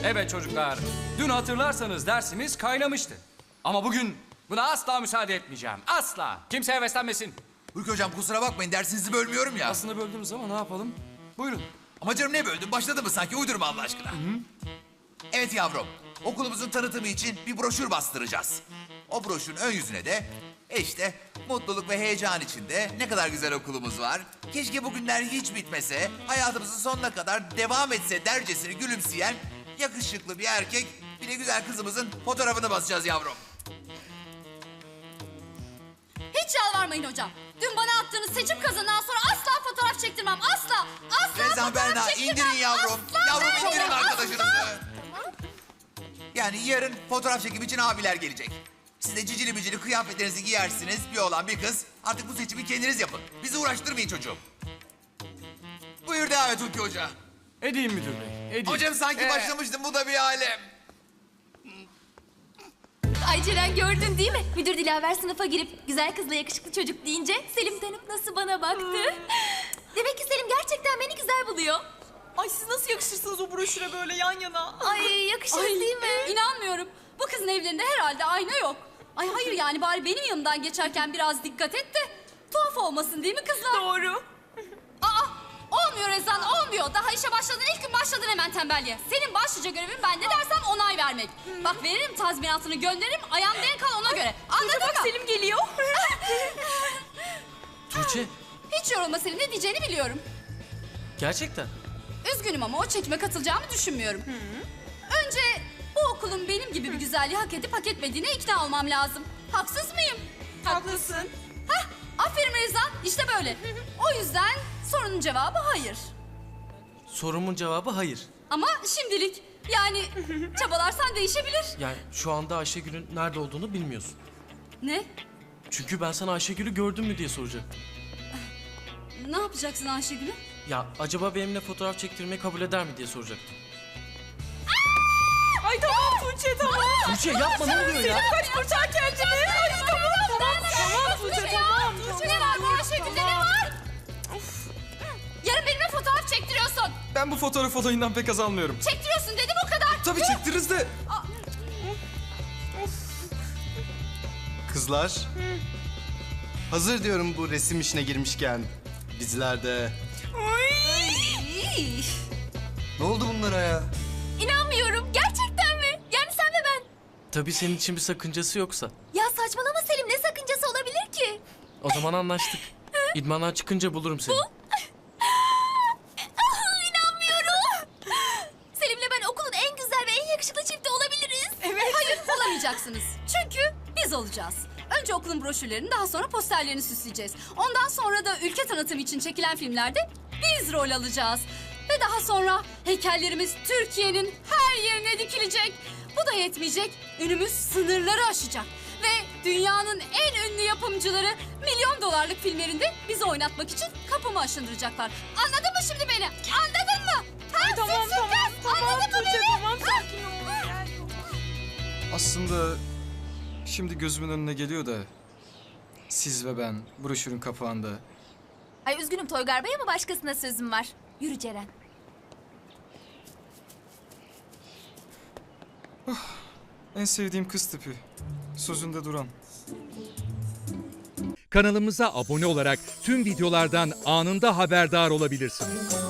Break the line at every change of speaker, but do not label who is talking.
Evet çocuklar, dün hatırlarsanız dersimiz kaynamıştı. Ama bugün buna asla müsaade etmeyeceğim. Asla. Kimse heveslenmesin.
Hulki hocam kusura bakmayın dersinizi bölmüyorum ya.
Aslında böldünüz ama ne yapalım? Buyurun.
Ama canım ne böldün? Başladı mı sanki? Uydurma Allah aşkına. Evet yavrum. Okulumuzun tanıtımı için bir broşür bastıracağız. O broşürün ön yüzüne de işte mutluluk ve heyecan içinde ne kadar güzel okulumuz var. Keşke bu günler hiç bitmese, hayatımızın sonuna kadar devam etse dercesine gülümseyen yakışıklı bir erkek, bir de güzel kızımızın fotoğrafını basacağız yavrum.
Hiç yalvarmayın hocam. Dün bana attığınız seçim kazanından sonra asla fotoğraf çektirmem. Asla. Asla
Rezan
fotoğraf
Berna
çektirmem.
indirin yavrum.
Asla
Yavrum
Berna,
indirin
asla.
arkadaşınızı. Yani yarın fotoğraf çekim için abiler gelecek. Siz de cicili bicili kıyafetlerinizi giyersiniz. Bir oğlan bir kız. Artık bu seçimi kendiniz yapın. Bizi uğraştırmayın çocuğum. Buyur devam et Hulki Hoca.
Edeyim müdür bey, edeyim.
Hocam sanki başlamıştım, bu da bir alem.
Ay Ceren gördün değil mi? Müdür Dilaver sınıfa girip güzel kızla yakışıklı çocuk deyince Selim dönüp nasıl bana baktı. Demek ki Selim gerçekten beni güzel buluyor.
Ay siz nasıl yakışırsınız o broşüre böyle yan yana?
Ay yakışır değil mi?
İnanmıyorum. Bu kızın evlerinde herhalde ayna yok. Ay hayır yani bari benim yanımdan geçerken biraz dikkat et de tuhaf olmasın değil mi kızlar?
Doğru.
Aa, olmuyor Rezan, olmuyor. Daha işe başladın, ilk gün başladın hemen tembelliğe. Senin başlıca görevin ben ne dersem onay vermek. Bak veririm tazminatını, gönderirim, ayağın denk al ona göre. Anladın
Bak
mı?
Selim geliyor.
Tuğçe,
Hiç yorulma Selim, ne diyeceğini biliyorum.
gerçekten.
Üzgünüm ama o çekime katılacağımı düşünmüyorum. Önce bu okulun benim gibi bir güzelliği hak edip hak etmediğine ikna olmam lazım. Haksız mıyım?
Haklısın.
Hah, aferin Rezan, işte böyle. O yüzden sorunun cevabı hayır.
Sorumun cevabı hayır.
Ama şimdilik yani çabalarsan değişebilir.
Yani şu anda Ayşegül'ün nerede olduğunu bilmiyorsun.
Ne?
Çünkü ben sana Ayşegül'ü gördün mü diye soracaktım.
Ne yapacaksın Ayşegül'ü?
Ya acaba benimle fotoğraf çektirmeyi kabul eder mi diye soracaktım.
Ay tamam Tuğçe tamam.
Tuğçe yapma ne oluyor ya?
Kaç kurtar kendini. Ay tamam. Tamam Tuğçe tamam.
Ne var bu Ayşegül'de ne var? Yarın benimle fotoğraf çektiriyorsun.
Ben bu fotoğraf olayından pek haz almıyorum.
Çektiriyorsun dedim o kadar.
Tabii çektiririz de.
Kızlar. Hazır diyorum bu resim işine girmişken. Dizilerde.
İy,
Ne oldu bunlara ya?
İnanmıyorum. Gerçekten mi? Yani sen ve ben.
Tabii senin için bir sakıncası yoksa.
Ya saçmalama Selim, ne sakıncası olabilir ki?
O zaman anlaştık. İdmandan çıkınca bulurum seni.
İnanmıyorum. Selim'le ben okulun en güzel ve en yakışıklı çifti olabiliriz.
Evet. Hayır olamayacaksınız. Çünkü biz olacağız. Önce okulun broşürlerini, daha sonra posterlerini süsleyeceğiz. Ondan sonra da ülke tanıtımı için çekilen filmlerde biz rol alacağız. Ve daha sonra heykellerimiz Türkiye'nin her yerine dikilecek. Bu da yetmeyecek. Önümüz sınırları aşacak. Ve dünyanın en ünlü yapımcıları milyon dolarlık filmlerinde bizi oynatmak için kapımı aşındıracaklar. Anladın mı şimdi beni? Anladın mı? Ha,
Tamam
sus,
tamam.
kız.
Tamam
Anladın mı
Tuğçe
beni?
tamam sakin ol. Gel.
Aslında şimdi gözümün önüne geliyor da siz ve ben broşürün kapağında.
Ay üzgünüm Toygar Bey ama başkasına sözüm var. Yürü Ceren.
En sevdiğim kız tipi. Sözünde duran.
Kanalımıza abone olarak tüm videolardan anında haberdar olabilirsiniz.